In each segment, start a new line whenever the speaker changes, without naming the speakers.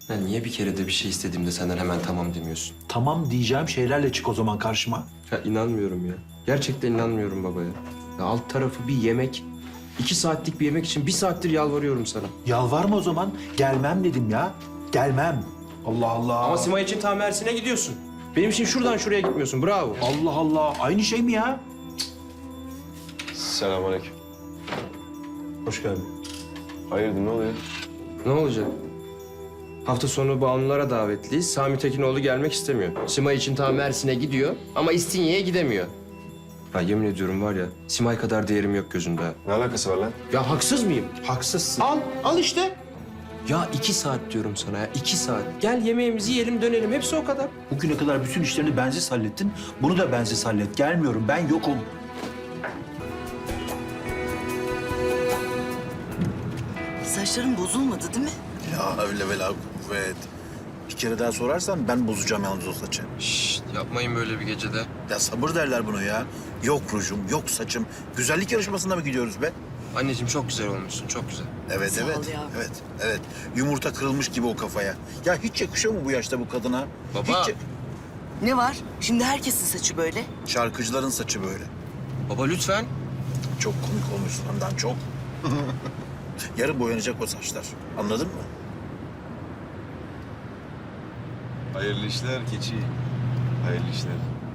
Ya niye bir kere de bir şey istediğimde senden hemen tamam demiyorsun?
Tamam diyeceğim şeylerle çık o zaman karşıma.
Ya inanmıyorum ya. Gerçekten inanmıyorum baba ya. Ya alt tarafı bir yemek. 2 saatlik bir yemek için 1 saattir yalvarıyorum sana.
Yalvarma o zaman. Gelmem dedim ya. Gelmem. Allah Allah.
Ama Simay için tam Mersin'e gidiyorsun. Benim için şuradan şuraya gitmiyorsun. Bravo.
Allah Allah. Aynı şey mi ya?
Selamünaleyküm.
Hoş geldin.
Hayırdır ne oluyor?
Ne olacak? Hafta sonu Banulara davetliyiz. Sami Tekinoğlu gelmek istemiyor. Simay için tam Mersin'e gidiyor ama İstinye'ye gidemiyor. Ya yemin ediyorum var ya, Simay kadar değerim yok gözünde. ha.
Ne alakası var lan?
Ya haksız mıyım?
Haksızsın.
Al işte. Ya 2 saat diyorum sana ya, 2 saat. Gel yemeğimizi yiyelim dönelim, hepsi o kadar.
Bugüne kadar bütün işlerini bensiz hallettin. Bunu da bensiz hallet. Gelmiyorum. Ben yokum.
Saçların bozulmadı değil mi?
Ya öyle vela kuvvet. Bir kere daha sorarsan ben bozacağım yalnız o saçı.
Şşt, yapmayın böyle bir gecede.
Ya sabır derler bunu ya. Yok rujum, yok saçım. Güzellik yarışmasına mı gidiyoruz be?
Anneciğim çok güzel olmuşsun, çok güzel.
Evet,
Sağ ol
evet.
yavrum.
Evet, evet. Yumurta kırılmış gibi o kafaya. Ya hiç yakışıyor mu bu yaşta bu kadına?
Baba.
Hiç...
Ne var? Şimdi herkesin saçı böyle.
Şarkıcıların saçı böyle.
Baba lütfen.
Çok komik olmuş ondan çok. Yarın boyanacak o saçlar. Anladın mı?
Hayırlı işler keçi. Hayırlı işler.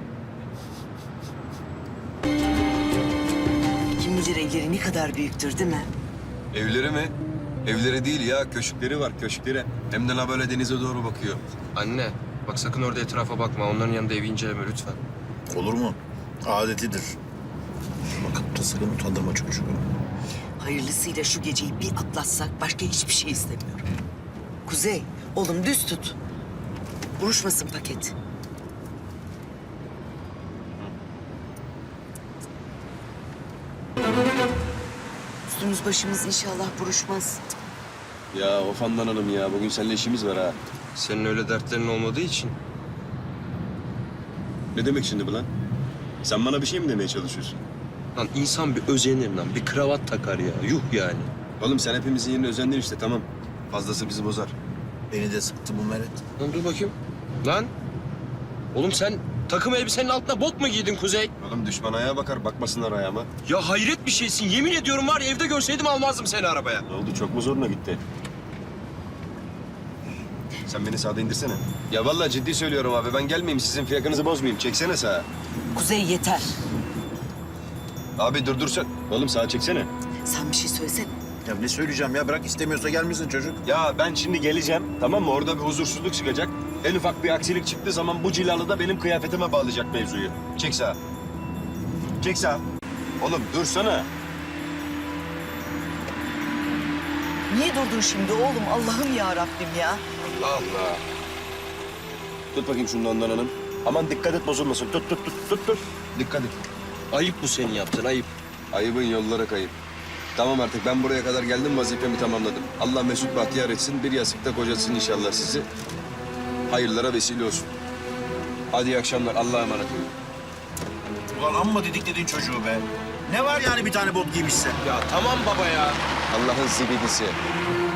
Kim bilir evleri ne kadar büyüktür değil mi?
Evleri mi? Evleri değil ya, köşkleri var, köşkleri. Hem de la böyle denize doğru bakıyor.
Anne, bak sakın orada etrafa bakma. Onların yanında evi inceleme lütfen.
Olur mu? Adetidir. Bakıp da sakın utandırma çocuğu.
Hayırlısıyla şu geceyi bir atlatsak başka hiçbir şey istemiyorum. Kuzey, oğlum düz tut. Buruşmasın paket. Üstümüz başımız inşallah buruşmaz.
Ya of Handan Hanım ya, bugün seninle işimiz var ha.
Senin öyle dertlerin olmadığı için.
Ne demek şimdi bu lan? Sen bana bir şey mi demeye çalışıyorsun?
Lan insan bir özenir lan, bir kravat takar ya. Yuh yani.
Oğlum sen hepimizin yerine özendin işte, tamam. Fazlası bizi bozar.
Beni de sıktı bu meret.
Lan dur bakayım. Lan. Oğlum sen takım elbisenin altına bot mu giydin Kuzey?
Oğlum düşman ayağa bakar, bakmasınlar ayağıma.
Ya hayret bir şeysin. Yemin ediyorum var ya, evde görseydim almazdım seni arabaya.
Ne oldu, çok mu zoruna gitti? Sen beni sağda indirsene. Ya vallahi ciddi söylüyorum abi, ben gelmeyeyim, sizin fiyakınızı bozmayayım. Çeksene sağa.
Kuzey yeter.
Abi durdursan. Oğlum sağa çeksene.
Sen bir şey söylesene.
Ya ne söyleyeceğim ya? Bırak istemiyorsa gelmesin çocuk.
Ya ben şimdi geleceğim, tamam mı? Orada bir huzursuzluk çıkacak. En ufak bir aksilik çıktığı zaman bu cilalı da benim kıyafetime bağlayacak mevzuyu. Çek sağa. Çek sağa. Oğlum dursana.
Niye durdun şimdi oğlum? Allah'ım ya Rabbim ya.
Allah. Tut bakayım şunu Handan Hanım. Aman dikkat et bozulmasın. Tut. Dikkat et.
Ayıp bu senin yaptığın, ayıp.
Ayıbın yollara kayıp. Tamam artık ben buraya kadar geldim, vazifemi tamamladım. Allah mesut bahtiyar etsin, bir yastıkta kocasın inşallah sizi. Hayırlara vesile olsun. Hadi iyi akşamlar, Allah'a emanet olun.
Ulan amma didikledin çocuğu be. Ne var yani bir tane bot giymişse?
Ya tamam baba ya.
Allah'ın zibidisi.